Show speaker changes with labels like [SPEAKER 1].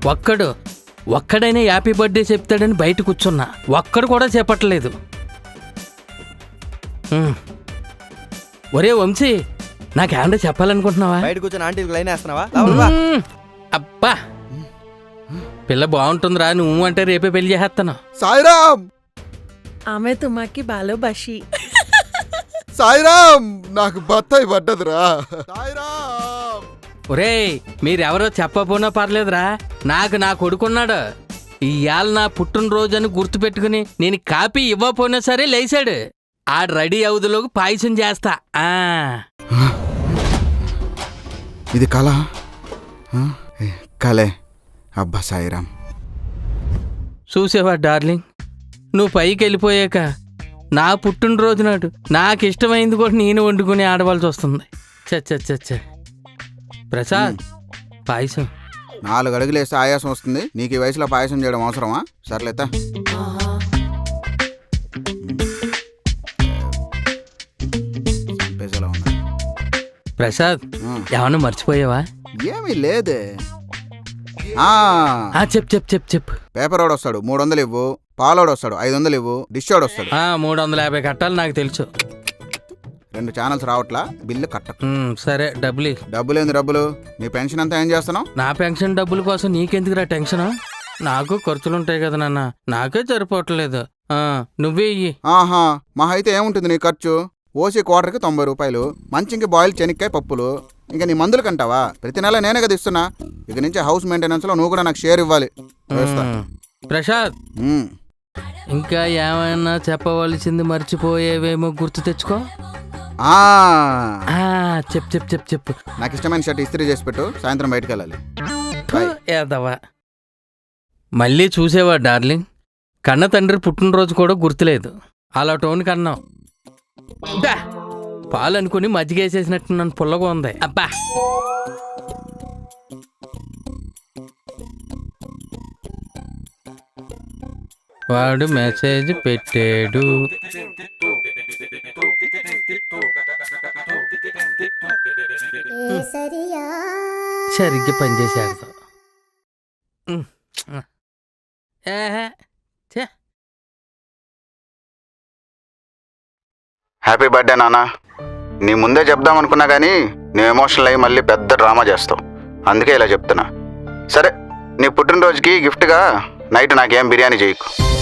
[SPEAKER 1] ఒక్కడైనా happy birthday చెప్తాడని బయట కూర్చున్నా, ఒక్కడు కూడా చెప్పట్లేదు. ఒరే వంశీ, నాకేమన్నా చెప్పాలనుకుంటున్నావా?
[SPEAKER 2] బయట కూర్చొని ఆంటీకి లైన్ వేస్తున్నావా?
[SPEAKER 1] అబ్బా, పిల్ల బాగుంటుందిరా, నువ్వు అంటే రేపే పెళ్లి చేసేస్తాను.
[SPEAKER 3] సాయిరామ్,
[SPEAKER 4] ఆమె తుమ్మాకి బాలో బషి.
[SPEAKER 3] సాయిరామ్, నాకు బత్తాయి పడ్డదిరా. సాయిరామ్.
[SPEAKER 1] ఒరేయ్, మీరెవరో చెప్పపోనా పర్లేదురా, నాకు నా కొడుకున్నాడు. ఇవాళ నా పుట్టినరోజు గుర్తు పెట్టుకుని నేను కాపీ ఇవ్వపోయినా సరే లేచాడు. ఆ రెడీ అవుదులోకి పాయసం చేస్తా.
[SPEAKER 3] ఇది కళ? కలే. అబ్బా సాయిరామ్.
[SPEAKER 1] చూసేవా డార్లింగ్, నువ్వు పైకి వెళ్ళిపోయాక నా పుట్టినరోజు నాడు నాకు ఇష్టమైంది కూడా నేను వండుకుని ఆడవలసి వస్తుంది. చచ్చ ప్రసాద్, పాయసం.
[SPEAKER 3] 4 అడుగులు వేస్తే ఆయాసం వస్తుంది. నీకు ఈ వయసులో పాయసం చేయడం అవసరమా? సర్లేతా.
[SPEAKER 1] ప్రసాద్, ఏమన్నా మర్చిపోయావా?
[SPEAKER 3] ఏమీ లేదే.
[SPEAKER 1] చెప్పు.
[SPEAKER 3] పేపర్ వాడు వస్తాడు, 300 ఇవ్వు. పాలోడు వస్తాడు, 500 ఇవ్వు. డిష్ వాడు వస్తాడు,
[SPEAKER 1] 350 కట్టాలి. నాకు తెలుసు.
[SPEAKER 3] 2 ఛానల్స్ రావట్లా, బిల్లు కట్ట.
[SPEAKER 1] సరే,
[SPEAKER 3] డబ్బులేంది డబ్బులు? నీ పెన్షన్ అంతా ఏం చేస్తున్నావు?
[SPEAKER 1] నా పెన్షన్ డబ్బుల కోసం నీకెందుకురా టెన్షన్? నాకు ఖర్చులుంటాయి కదా నాన్న, నాకే సరిపోవట్లేదు. నువ్వే ఇయ్యి.
[SPEAKER 3] ఆహా, మా అయితే ఏముంటుంది నీ ఖర్చు? ఓసీ క్వార్టర్కి 90 రూపాయలు, మంచింకి బాయిల్ చెనిక్కాయ పప్పులు. ఇంకా నీ మందులు కంటావా? ప్రతి నెల నేనే కదా ఇస్తున్నా. ఇక నుంచి హౌస్ మెయింటెనెన్స్ లో నువ్వు కూడా నాకు షేర్ ఇవ్వాలి.
[SPEAKER 1] ప్రసాద్, ఇంకా ఏమైనా చెప్పవలసింది మర్చిపోయేవేమో గుర్తు తెచ్చుకో. చెప్పు.
[SPEAKER 3] నాకు ఇష్టమైన షర్ట్ ఇస్త్రీ చేసి పెట్టు, సాయంత్రం బయటకు వెళ్ళాలి.
[SPEAKER 1] ఏదవా. మళ్ళీ చూసేవా డార్లింగ్, కన్న తండ్రి పుట్టినరోజు కూడా గుర్తులేదు. అలా టోన్ కన్నావు. పాలు అనుకుని మజ్జిగేసేసినట్టు నన్ను పుల్లగా ఉంది. అబ్బా, వాడు మెసేజ్ పెట్టాడు. సరిగ్గా పనిచేసాడు.
[SPEAKER 3] హ్యాపీ బర్త్డే నాన్న. నీ ముందే చెప్దాం అనుకున్నా కానీ నువ్వు ఎమోషనల్ అయ్యి మళ్ళీ పెద్ద డ్రామా చేస్తావు. అందుకే ఇలా చెప్తున్నా. సరే, నీ పుట్టినరోజుకి గిఫ్ట్గా నైట్ నాకేం బిర్యానీ చేయకు.